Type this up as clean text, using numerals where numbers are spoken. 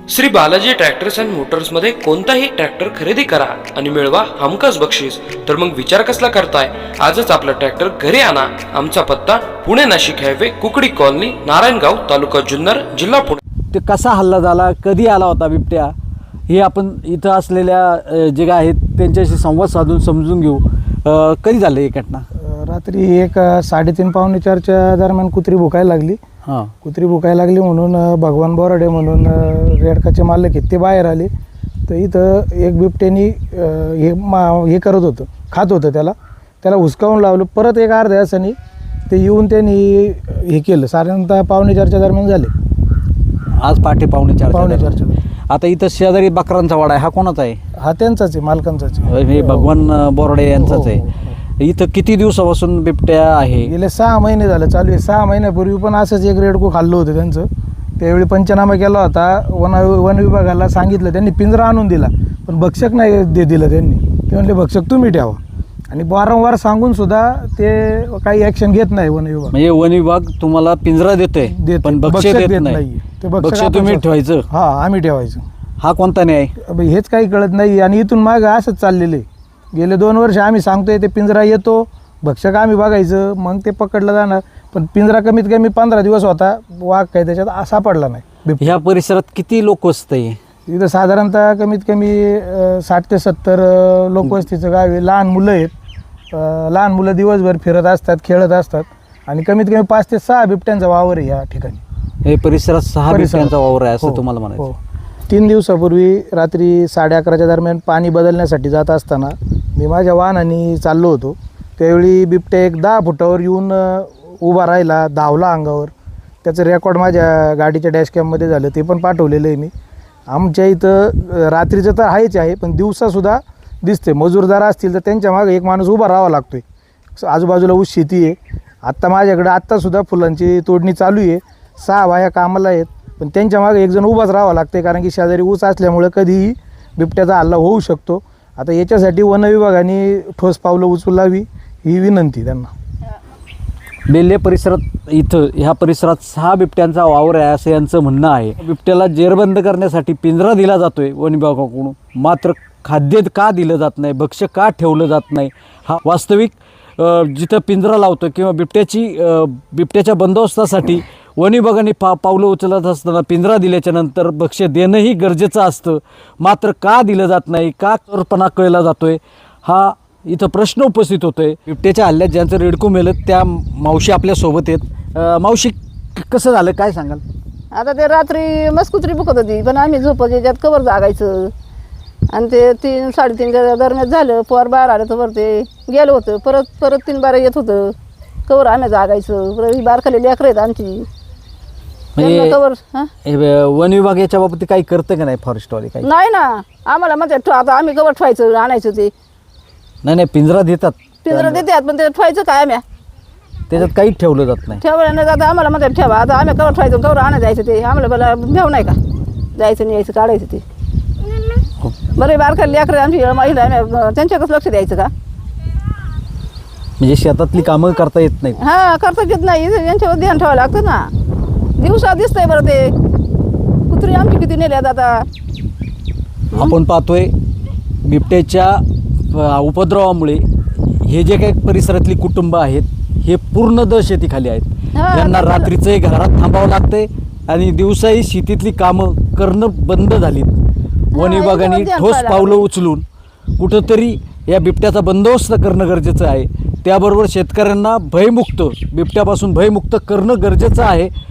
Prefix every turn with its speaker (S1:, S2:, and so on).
S1: Shri Balaji tractors and मोटर्समध्ये कोणताही tractor खरेदी करा आणि मिळवा हमखास बक्षीस. तर मग विचार कसला करताय? आजच आपला ट्रॅक्टर घरी आणा. आमचा पत्ता पुणे नाशिक हायवे, कुकडी कॉलनी, नारायणगाव, तालुका जुन्नर, जिल्हा पुणे.
S2: ते कसा हल्ला झाला, कधी आला होता बिबट्या, हे आपण इथं असलेल्या जे आहेत त्यांच्याशी संवाद साधून समजून घेऊ. कधी झालं ही घटना?
S3: रात्री 3:30 पावणे 4च्या दरम्यान कुत्री भुकायला लागली.
S2: हां,
S3: कुत्री भुकायला लागली म्हणून भगवान बोराडे म्हणून रेडकाचे मालक आहेत ते बाहेर आले. तर इथं एक बिबट्यानी हे करत होतं, खात होतं, त्याला हुसकावून लावलं. परत एक अर्ध्या तासाने ते येऊन त्यांनी हे केलं. साधारणतः 3:45च्या दरम्यान झाले.
S2: आज पहाटे 3:45.
S3: 4:45.
S2: आता इथं शेजारी बकरांचा वाडा आहे, हा कोणाचा आहे?
S3: हा त्यांचाच आहे, मालकांचाच आहे.
S2: हे भगवान बोराडे यांचाच आहे. इथं किती दिवसापासून बिबट्या आहे?
S3: गेले 6 महिने झालं चालू आहे. 6 महिन्यापूर्वी पण असंच एक रेडको खाल्लं होतं त्यांचं. त्यावेळी पंचनामा केला होता. वन विभागाला सांगितलं, त्यांनी पिंजरा आणून दिला, पण भक्षक नाही दिलं त्यांनी. ते म्हणले भक्षक तुम्ही ठेवा. आणि वारंवार सांगून सुद्धा ते काही ॲक्शन घेत नाही वन विभाग.
S2: म्हणजे वन विभाग तुम्हाला पिंजरा देतोय पण बक्षीस देत नाही.
S3: ते
S2: बक्षीस तुम्ही ठेवायचं?
S3: हा, आम्ही ठेवायचं.
S2: हा कोणता न्याय?
S3: हेच काही कळत नाही. आणि इथून मागं असंच चाललेलं आहे. गेले 2 वर्ष आम्ही सांगतोय, ते पिंजरा येतो, भक्षक आम्ही बघायचं, मग ते पकडलं जाणार. पण पिंजरा कमीत कमी 15 दिवस होता, वाघ काही त्याच्यात सापडला नाही.
S2: ह्या परिसरात किती लोक वसतंय?
S3: इथं साधारणतः कमीत कमी 60 ते 70 लोकवस्तीचं गाव आहे. लहान मुलं आहेत. लहान मुलं दिवसभर फिरत असतात, खेळत असतात. आणि कमीत कमी 5 ते 6 बिबट्यांचा वावर आहे या ठिकाणी.
S2: हे परिसरात 6 बिबट्यांचा वावर आहे असं तुम्हाला म्हणायचं?
S3: हो. 3 दिवसापूर्वी रात्री 11:30च्या दरम्यान पाणी बदलण्यासाठी जात असताना मी माझ्या वाहनाने चाललो होतो. त्यावेळी बिबट्या एक 10 फुटावर येऊन उभा राहिला, धावला अंगावर. त्याचं रेकॉर्ड माझ्या गाडीच्या डॅशकॅममध्ये झालं, ते पण पाठवलेलं आहे मी. आमच्या इथं रात्रीचं तर आहेच आहे, पण दिवसासुद्धा दिसते. मजूरदार असतील तर त्यांच्या मागे एक माणूस उभा राहावा लागतो आहे. आजूबाजूला ऊस शेती आहे. आत्ता माझ्याकडं आत्तासुद्धा फुलांची तोडणी चालू आहे. 6 बाया कामाला आहेत, पण त्यांच्या मागे एकजण उभाच राहावं लागते, कारण की शेजारी ऊस असल्यामुळे कधीही बिबट्याचा हल्ला होऊ शकतो. आता याच्यासाठी वन विभागाने ठोस पावलं उचलावी ही विनंती त्यांना.
S2: बेल्ले परिसरात इथं ह्या परिसरात 6 बिबट्यांचा वावर आहे असं यांचं म्हणणं आहे. बिबट्याला जेरबंद करण्यासाठी पिंजरा दिला जातोय वन विभागाकडून, मात्र खाद्य का दिलं जात नाही, भक्ष्य का ठेवलं जात नाही, हा वास्तविक जिथं पिंजरा लावतो किंवा बिबट्याच्या बंदोबस्तासाठी वन विभागाने पावलं उचलत असताना पिंजरा दिल्याच्या नंतर भक्ष्य देणंही गरजेचं असतं, मात्र का दिलं जात नाही, का चोरपणा कळला जातोय, हा इथं प्रश्न उपस्थित होतोय. बिबट्याच्या हल्ल्यात ज्यांचं रेडकू मेलं त्या मावशी आपल्यासोबत आहेत. मावशी, कसं झालं काय सांगाल?
S4: आता ते रात्री मस्त कुत्री बुकत होती, पण आम्ही झोपत याच्यात कवर जागायचं. आणि ते 3-3:30च्या दरम्यान झालं. पोर बाहेर आलं तर ते गेलं होतं. परत 3 बारा येत होतं. कवर आम्ही जागायचं. परत बारखाली लेकरं आहेत आमची. कवर
S2: वन विभाग याच्या बाबतीत काही करतं का नाही? फॉरेस्टवाले काही
S4: नाही ना, आम्हाला म्हणतात आता आम्ही कवर ठेवायचं, आणायचं. ते
S2: नाही पिंजरा देतात,
S4: पिंजरा देतात, पण ते ठेवायचं काय आम्ही?
S2: त्याच्यात काही ठेवलं जात नाही.
S4: ठेवलं नाही जातं. आम्हाला म्हणतात ठेवा. आता आम्ही कवर ठेवायचं, कवर आणा जायचं. ते आम्हाला बला भेव नाही का, जायचं नाही यायचं, काढायचं. ते बरं बारखाली लेकरं आमची महिला, आम्ही त्यांच्याकडे लक्ष द्यायचं का?
S2: म्हणजे शेतातली कामं करता येत नाहीत?
S4: हा, करता येत नाही. यांच्यावर ध्यान ठेवावं लागतं ना. दिवसा दिसतंय बरं ते कुत्री आमची किती नेल्यात आता.
S2: आपण पाहतोय बिबट्याच्या उपद्रवामुळे हे जे काही परिसरातली कुटुंब आहेत हे पूर्ण दहशतीखाली आहेत. त्यांना रात्रीचंही घरात थांबावं लागतंय आणि दिवसाही शेतीतली कामं करणं बंद झालीत. वन विभागाने ठोस पावलं उचलून कुठंतरी या बिबट्याचा बंदोबस्त करणं गरजेचं आहे. त्याबरोबर शेतकऱ्यांना बिबट्यापासून भयमुक्त करणं गरजेचं आहे.